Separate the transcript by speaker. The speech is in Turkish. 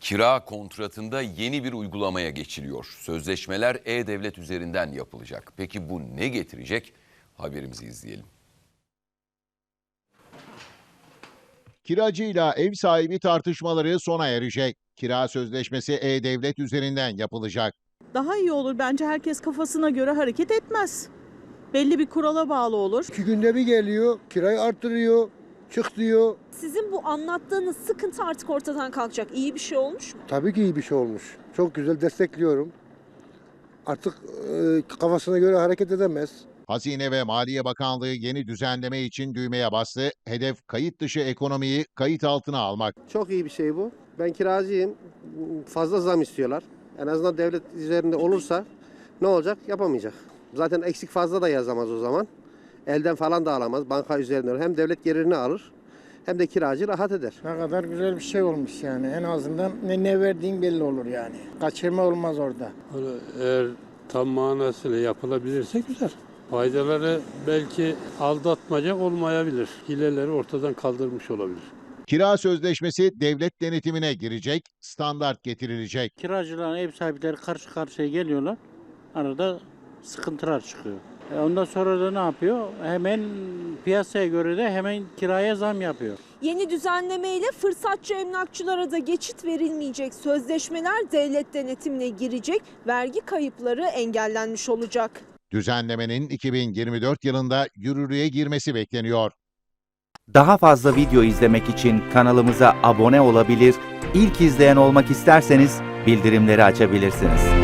Speaker 1: Kira kontratında yeni bir uygulamaya geçiliyor. Sözleşmeler e-devlet üzerinden yapılacak. Peki bu ne getirecek? Haberimizi izleyelim.
Speaker 2: Kiracıyla ev sahibi tartışmaları sona erecek. Kira sözleşmesi e-devlet üzerinden yapılacak.
Speaker 3: Daha iyi olur. Bence herkes kafasına göre hareket etmez. Belli bir kurala bağlı olur.
Speaker 4: 2 günde bir geliyor, kirayı arttırıyor, çık diyor.
Speaker 5: Sizin bu anlattığınız sıkıntı artık ortadan kalkacak. İyi bir şey olmuş mu?
Speaker 4: Tabii ki iyi bir şey olmuş. Çok güzel, destekliyorum. Artık kafasına göre hareket edemez.
Speaker 2: Hazine ve Maliye Bakanlığı yeni düzenleme için düğmeye bastı. Hedef kayıt dışı ekonomiyi kayıt altına almak.
Speaker 6: Çok iyi bir şey bu. Ben kiracıyım. Fazla zam istiyorlar. En azından devlet üzerinde olursa ne olacak? Yapamayacak. Zaten eksik fazla da yazamaz o zaman. Elden falan da alamaz. Banka üzerinden hem devlet gelirini alır hem de kiracı rahat eder.
Speaker 7: Ne kadar güzel bir şey olmuş yani. En azından ne verdiğin belli olur yani. Kaçırma olmaz orada.
Speaker 8: Eğer tam manasıyla yapılabilirse güzel. Faydaları belki aldatmaca olmayabilir. Hileleri ortadan kaldırmış olabilir.
Speaker 2: Kira sözleşmesi devlet denetimine girecek, standart getirilecek.
Speaker 7: Kiracılarla ev sahipleri karşı karşıya geliyorlar. Arada sıkıntılar çıkıyor. Ondan sonra da ne yapıyor? Hemen piyasaya göre de hemen kiraya zam yapıyor.
Speaker 5: Yeni düzenlemeyle fırsatçı emlakçılara da geçit verilmeyecek. Sözleşmeler devlet denetimine girecek. Vergi kayıpları engellenmiş olacak.
Speaker 2: Düzenlemenin 2024 yılında yürürlüğe girmesi bekleniyor.
Speaker 9: Daha fazla video izlemek için kanalımıza abone olabilir, ilk izleyen olmak isterseniz bildirimleri açabilirsiniz.